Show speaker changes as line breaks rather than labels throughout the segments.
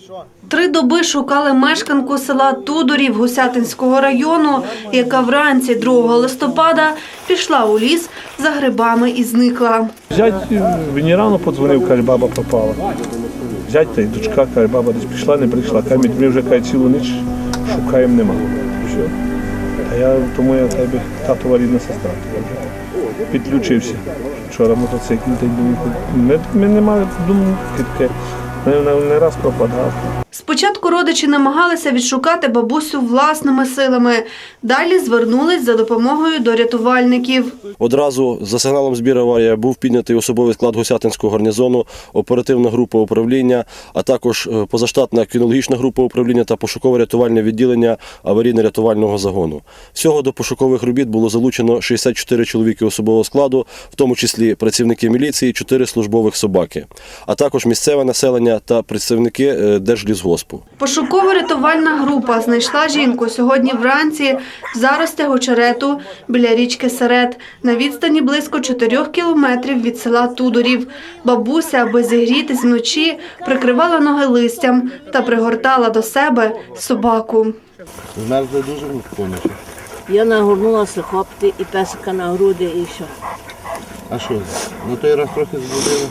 3 доби шукали мешканку села Тудорів Гусятинського району, яка вранці 2 листопада пішла у ліс за грибами і зникла.
Зять мені рано подзвонив, каже, баба пропала. Зять та й дочка, каже, баба десь прийшла, не прийшла. Каже, ми вже цілу ніч шукаємо, нема. Все. Тому я тебе татова рідна сестра. Підключився. Вчора мотоцикл, ми не мали думки таке. Не раз пропадав.
Спочатку родичі намагалися відшукати бабусю власними силами. Далі звернулись за допомогою до рятувальників.
Одразу за сигналом збір аварії був піднятий особовий склад Гусятинського гарнізону, оперативна група управління, а також позаштатна кінологічна група управління та пошуково-рятувальне відділення аварійно-рятувального загону. Всього до пошукових робіт було залучено 64 чоловіки особового складу, в тому числі працівники міліції, 4 службових собаки, а також місцеве населення та представники Держлісгоспу.
Пошуково-рятувальна група знайшла жінку сьогодні вранці в заростях очерету біля річки Серед, на відстані близько 4 кілометрів від села Тудорів. Бабуся, аби зігрітись вночі, прикривала ноги листям та пригортала до себе собаку.
Змерзли дуже повністю.
Я нагорнулася хопти і песика на груди і все.
А що? Ну той раз трохи збудили.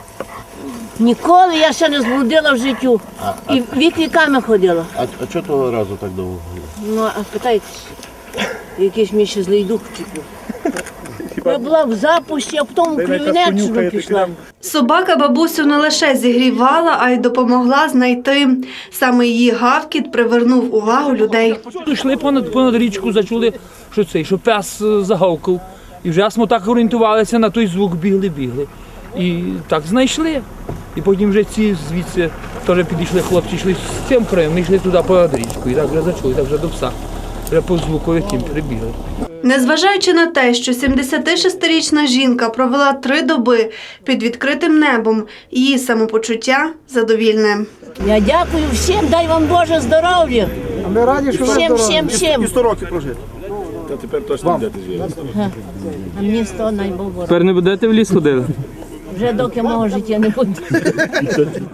Ніколи я ще не зблудила в життю. І вік-віками ходила.
А чого того разу так довго було?
Ну, а питайтеся, якийсь мій ще злий дух вчепив. Я була в запусті, а потім в Кривінеччину пішла.
Собака бабусю не лише зігрівала, а й допомогла знайти. Саме її гавкіт привернув увагу людей.
Йшли понад річку, зачули, що пес загавкав. І вже ми так орієнтувалися, на той звук бігли. І так знайшли. І потім вже ці звідси теж підійшли хлопці, йшли з цим краєм, ми йшли туди понад річку. І так вже зачули, так вже до пса. Вже по звуку яким прибігли.
Незважаючи на те, що 76-річна жінка провела 3 доби під відкритим небом, її самопочуття задовільне.
Я дякую всім, дай вам Боже здоров'я.
А ми раді, що
Всім.
100 років прожити.
Та тепер точно будете зв'язати.
А мені 100 найбільше.
Тепер не будете в ліс ходити?
Вже доки мого життя не буде.